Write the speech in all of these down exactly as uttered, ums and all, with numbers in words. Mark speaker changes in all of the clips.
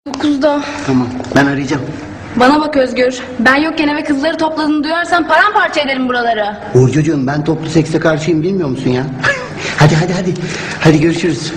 Speaker 1: Dokuzda.
Speaker 2: Tamam, ben arayacağım.
Speaker 1: Bana bak Özgür. Ben yokken eve kızları topladığını duyarsan paramparça ederim buraları.
Speaker 2: Burcucuğum, ben toplu sekse karşıyım, bilmiyor musun ya? Hadi hadi hadi. Hadi görüşürüz.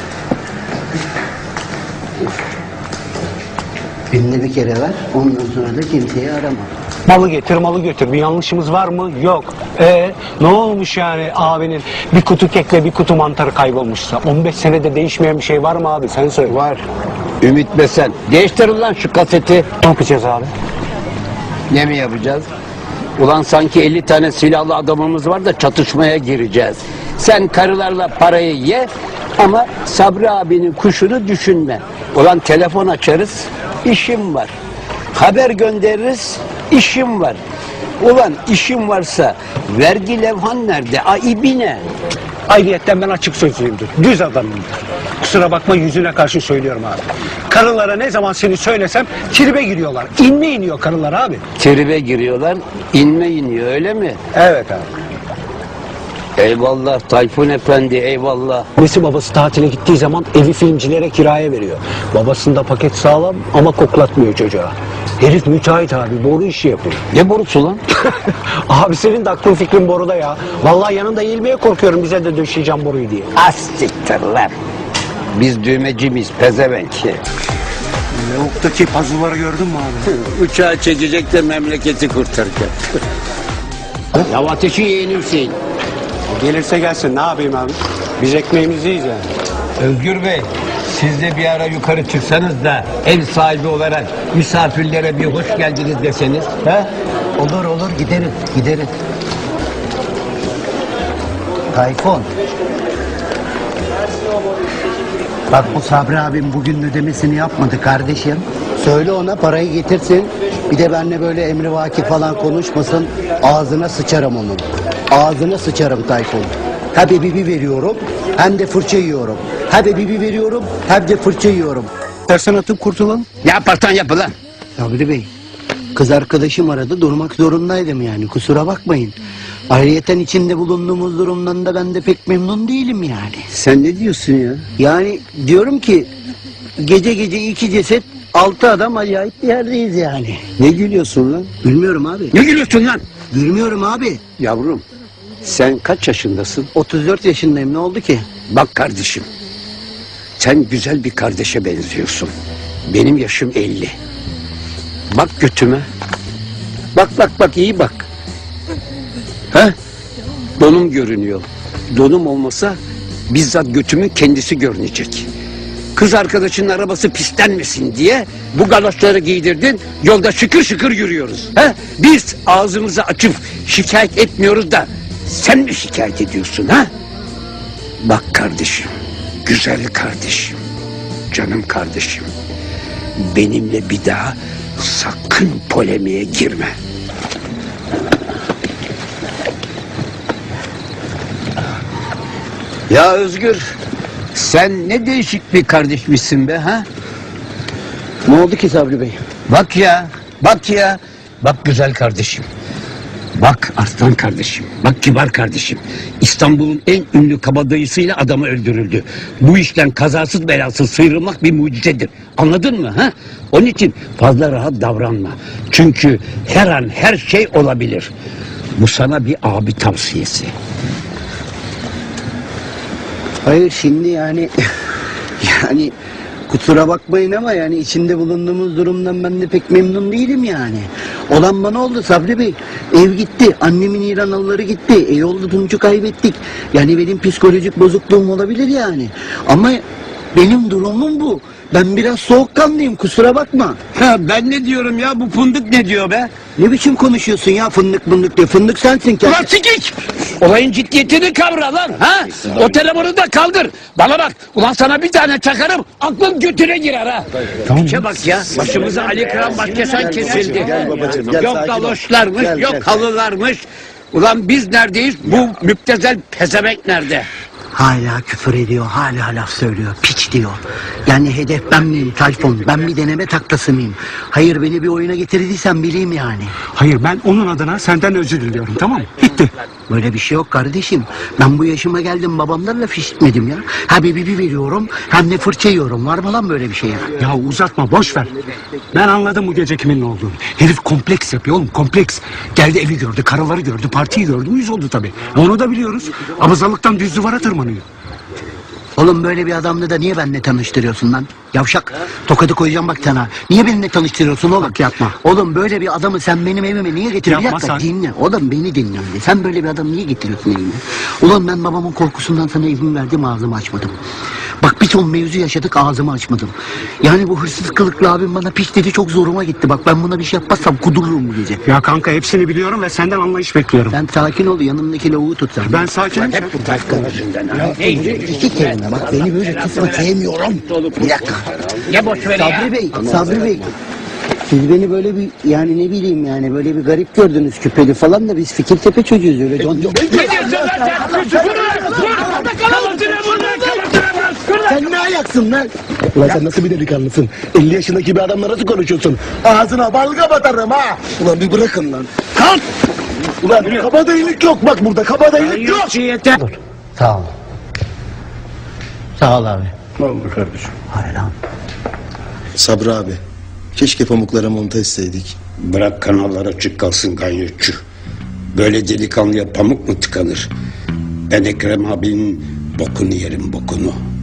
Speaker 2: Günde bir kere ver, ondan sonra da kimseyi arama.
Speaker 3: Malı getir malı götür, bir yanlışımız var mı? Yok. Ee, ne olmuş yani abinin bir kutu kekle bir kutu mantarı kaybolmuşsa? on beş senede değişmeyen bir şey var mı abi, sen söyle.
Speaker 4: Var. Ümit Besen. Değiştir lan şu kaseti.
Speaker 3: Ne yapacağız abi?
Speaker 4: Ne mi yapacağız? Ulan sanki elli tane silahlı adamımız var da çatışmaya gireceğiz. Sen karılarla parayı ye ama Sabri abinin kuşunu düşünme. Ulan telefon açarız, işim var. Haber göndeririz, işim var. Ulan işim varsa vergi levhan nerede? Aibine.
Speaker 3: Ayrıyetten ben açık sözlüyümdür. Düz adamımdır. Kusura bakma, yüzüne karşı söylüyorum abi. Karılara ne zaman seni söylesem tribe giriyorlar. İnme iniyor karılar abi.
Speaker 4: Tribe giriyorlar, inme iniyor, öyle mi?
Speaker 3: Evet abi.
Speaker 4: Eyvallah Tayfun Efendi, eyvallah.
Speaker 3: Annesi babası tatile gittiği zaman evi filmcilere kiraya veriyor. Babasında paket sağlam ama koklatmıyor çocuğa. Herif müteahhit abi, boru işi yapıyor.
Speaker 4: Ne borusu lan?
Speaker 3: Abi senin de aklın fikrin boruda ya. Vallahi yanında eğilmeye korkuyorum, bize de döşeyeceğim boruyu diye.
Speaker 4: Astiktir lan. Biz düğmeci miyiz pezevenk?
Speaker 2: Lavuk'taki puzzle'ları gördün mü abi?
Speaker 4: Uçağı çekecek de memleketi kurtaracak. Ya ateşi yeğeni Hüseyin.
Speaker 3: Gelirse gelsin, ne yapayım abi? Biz ekmeğimizi yiyeceğiz yani.
Speaker 4: Özgür Bey, siz de bir ara yukarı çıksanız da ev sahibi olarak misafirlere bir hoş geldiniz deseniz. He?
Speaker 2: Olur olur, gideriz gideriz. Tayfun. Bak, bu Sabri abim bugün ödemesini yapmadı kardeşim. Söyle ona parayı getirsin. Bir de benimle böyle emrivaki falan konuşmasın. Ağzına sıçarım onun. Ağzına sıçarım Tayfun. Hem bibi veriyorum hem de fırça yiyorum. Hem bibi veriyorum hem de fırça yiyorum. Tersen atıp kurtulalım.
Speaker 4: Ne yaparsan yap lan.
Speaker 2: Sabri Bey, kız arkadaşım aradı, durmak zorundaydım yani, kusura bakmayın. Ayrıyeten içinde bulunduğumuz durumdan da ben de pek memnun değilim yani.
Speaker 4: Sen ne diyorsun ya?
Speaker 2: Yani diyorum ki gece gece iki ceset, altı adam, acayip bir yerdeyiz yani.
Speaker 4: Ne gülüyorsun lan?
Speaker 2: Gülmüyorum abi.
Speaker 4: Ne gülüyorsun lan?
Speaker 2: Gülmüyorum abi.
Speaker 4: Yavrum, sen kaç yaşındasın?
Speaker 2: otuz dört yaşındayım, ne oldu ki?
Speaker 4: Bak kardeşim, sen güzel bir kardeşe benziyorsun. Benim yaşım elli. Bak götüme. Bak bak bak, iyi bak. Ha? Donum görünüyor. Donum olmasa bizzat götümün kendisi görünecek. Kız arkadaşının arabası pislenmesin diye bu galoşları giydirdin, yolda şıkır şıkır yürüyoruz. Ha? Biz ağzımızı açıp şikayet etmiyoruz da sen mi şikayet ediyorsun ha? Bak kardeşim, güzel kardeşim, canım kardeşim, benimle bir daha sakın polemiğe girme. Ya Özgür, sen ne değişik bir kardeşmişsin be ha?
Speaker 2: Ne oldu ki Sabri Bey?
Speaker 4: Bak ya, bak ya, bak güzel kardeşim. Bak aslan kardeşim, bak kibar kardeşim. İstanbul'un en ünlü kabadayısıyla adamı öldürüldü. Bu işten kazasız belasız sıyrılmak bir mucizedir. Anladın mı ha? Onun için fazla rahat davranma. Çünkü her an her şey olabilir. Bu sana bir abi tavsiyesi.
Speaker 2: Hayır şimdi yani yani kusura bakmayın ama yani içinde bulunduğumuz durumdan ben de pek memnun değilim yani. Olan bana oldu Sabri Bey. Ev gitti, annemin İranalıları gitti, e oldu Tunç'u kaybettik. Yani benim psikolojik bozukluğum olabilir yani. Ama benim durumum bu. Ben biraz soğukkanlıyım, kusura bakma.
Speaker 4: Ha, ben ne diyorum ya, bu fındık ne diyor be?
Speaker 2: Ne biçim konuşuyorsun ya, fındık fındık diye. Fındık sensin ki.
Speaker 4: Ulan sikik! Olayın ciddiyetini kavra lan ha! O telefonu da kaldır. Bana bak, ulan sana bir tane çakarım, aklın götüne girer ha! Piçe bak ya, başımıza Ali Kıran Başkesan kesildi.
Speaker 2: Gel babacığım, gel,
Speaker 4: Yok
Speaker 2: sakin ol.
Speaker 4: galoşlarmış,
Speaker 2: Gel,
Speaker 4: yok
Speaker 2: gel.
Speaker 4: halılarmış. Ulan biz neredeyiz, bu müptezel pezevenk nerede?
Speaker 2: Hala küfür ediyor, hala laf söylüyor, piç diyor. Yani hedef ben miyim Tayfun, ben bir deneme taklası mıyım? Hayır beni bir oyuna getirdiysen bileyim yani.
Speaker 3: Hayır, ben onun adına senden özür diliyorum, tamam mı? Bitti.
Speaker 2: Böyle bir şey yok kardeşim. Ben bu yaşıma geldim babamdan laf işitmedim ya. Ha bir bibi veriyorum hem de fırça yiyorum. Var mı lan böyle bir şey ya?
Speaker 3: Ya uzatma, boş ver. Ben anladım bu gece kimin ne olduğunu. Herif kompleks yapıyor oğlum, kompleks. Geldi evi gördü, karıları gördü, partiyi gördü, uyuz oldu tabii. Onu da biliyoruz. Abazalıktan düz duvara tırmanıyor.
Speaker 2: Oğlum böyle bir adamla da niye benimle tanıştırıyorsun lan? Yavşak. Tokadı koyacağım bak sana. Niye benimle tanıştırıyorsun oğlum?
Speaker 3: Bak yapma.
Speaker 2: Oğlum böyle bir adamı sen benim evime niye getiriyorsun?
Speaker 3: Yapma
Speaker 2: Bir dakika,
Speaker 3: sen.
Speaker 2: dinle. Oğlum beni dinle önce. Sen böyle bir adamı niye getiriyorsun evime? Ulan ben babamın korkusundan sana izin verdim ağzımı açmadım. Bak bir ton mevzu yaşadık ağzımı açmadım. Yani bu hırsız kılıklı abim bana piç dedi çok zoruma gitti. Bak ben buna bir şey yapmazsam kudururum bu gece.
Speaker 3: Ya kanka hepsini biliyorum ve senden anlayış bekliyorum.
Speaker 2: Sen sakin ol yanımdaki lavuğu tut sen.
Speaker 3: Ben sakinim.
Speaker 4: Hep bu Tayfun yüzünden ha.
Speaker 2: İki kelime bak beni böyle kısma sevmiyorum. Bir dakika.
Speaker 4: Ya boş ver
Speaker 2: Sabri Bey, Sabri Bey. Siz beni böyle bir yani ne bileyim yani böyle bir garip gördünüz küpeli falan da biz Fikirtepe çocuğuyuz öyle. Don, don. Sen ne ayaksın lan?
Speaker 5: Ulan sen nasıl bir delikanlısın? elli yaşındaki bir adamla nasıl konuşuyorsun? Ağzına balga batarım ha! Ulan bir bırakın lan. Kalk! Ulan kabadayılık yok bak burada, kabadayılık yok!
Speaker 2: Sağ ol. Sağ ol abi.
Speaker 5: Ne oldu kardeşim?
Speaker 2: Hayır lan.
Speaker 6: Sabri abi, keşke pamuklara monta etseydik.
Speaker 4: Bırak kanallar açık kalsın ganyotçu. Böyle delikanlıya pamuk mu tıkanır? Ben Ekrem abinin bokunu yerim bokunu.